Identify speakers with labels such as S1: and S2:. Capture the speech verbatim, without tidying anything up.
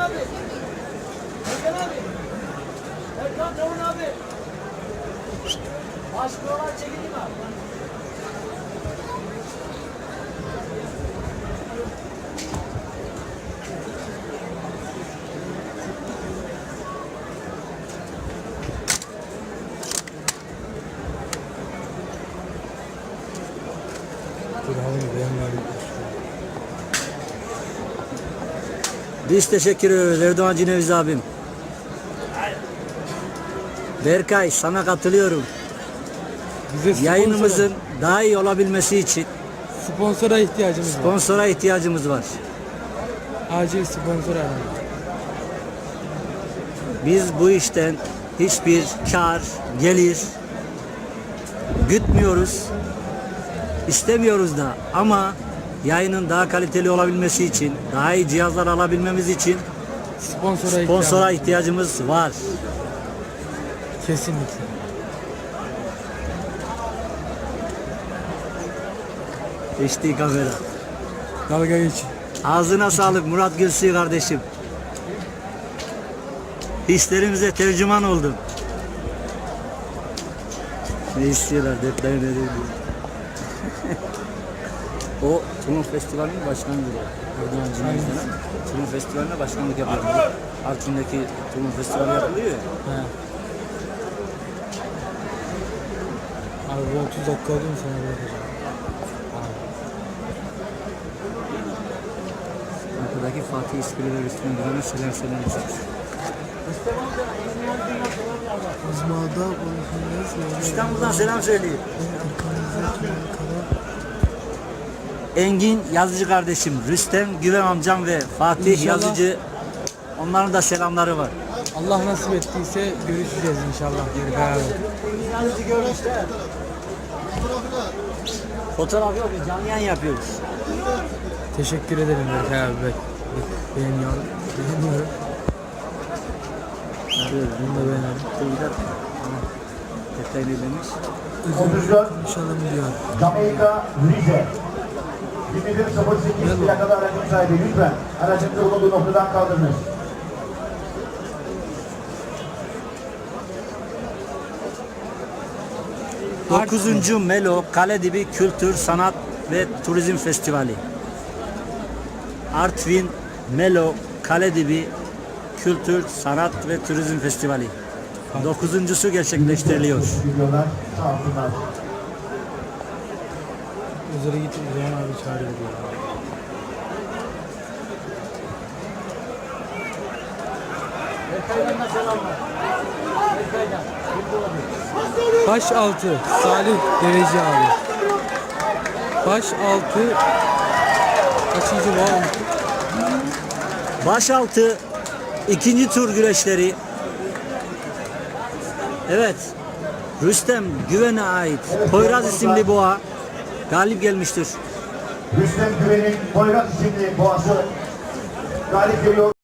S1: abi. Erkan abi. Erkan Tavun abi. Başlıyorlar çekildi mi abi?
S2: Biz teşekkür ederiz Erdoğan Cineviz abim. Berkay sana katılıyorum.
S3: Bize sponsora,
S2: Yayınımızın daha iyi olabilmesi için
S3: sponsora ihtiyacımız var.
S2: sponsora ihtiyacımız var.
S3: Acil sponsor alalım.
S2: Biz bu işten hiçbir kar, gelir gütmüyoruz. İstemiyoruz da ama yayının daha kaliteli olabilmesi için, daha iyi cihazlar alabilmemiz için
S3: Sponsora,
S2: sponsora
S3: ihtiyacımız
S2: ihtiyacımız var.
S3: kesinlikle.
S2: H D kamera.
S3: Dalga geç.
S2: Ağzına sağlık Murat Gülsü kardeşim. Hislerimize tercüman oldum. Ne istiyorlar? Detayı ne diyor? O Tulum Festivali'nin başkanıdır. Erdoğan Cumhurbaşkanı. Tulum Festivali'ne başkanlık yapıyor. Artvin'deki Tulum Festivali yapılıyor ya.
S3: He. Abi bu otuz dakika oldu mu sana bırakacağım?
S2: Arkadaki Fatih İskili ve Rüstüm Güven'e selam selam istiyoruz. İstanbul'dan selam söyleyeyim. Engin Yazıcı kardeşim, Rüstem Güven amcam ve Fatih
S3: İnşallah.
S2: Yazıcı, onların da selamları var.
S3: Allah nasip ettiyse görüşeceğiz inşallah geri beraber.
S2: Yazıcı görmüşler. Fotoğraf yok, biz canlı yayın yapıyoruz.
S3: Teşekkür ederim Berkay abi. Bek. Beğeniyorum. Beğeniyorum.
S2: Evet,
S3: Bunu da beğeniyorum.
S2: Kuyuda detaylı demiş.
S4: otuz dört
S3: İnşallah biliyorum.
S4: Jamaika Rize yirmi bir sıfır sekiz plakalı aracın sahibi lütfen aracınızı bulunduğu noktadan kaldırınız.
S2: dokuzuncu Melo Kaledibi Kültür, Sanat ve Turizm Festivali. Artvin Melo Kaledibi Kültür, Sanat ve Turizm Festivali. Dokuzuncusu gerçekleştiriliyor.
S4: Gidiyorlar, sağ olsunlar.
S3: Üzere git Uzayhan abi çağırıyor diyor.
S2: Berkay'dan da selamlar. Berkay'dan.
S3: Baş altı Salih Dereci abi. Baş altı kaçıncı var?
S2: Başaltı ikinci tur güreşleri. Evet. Rüstem Güven'e ait Poyraz isimli boğa galip gelmiştir.
S4: Rüstem Güven'in Poyraz isimli boğası galip geliyor.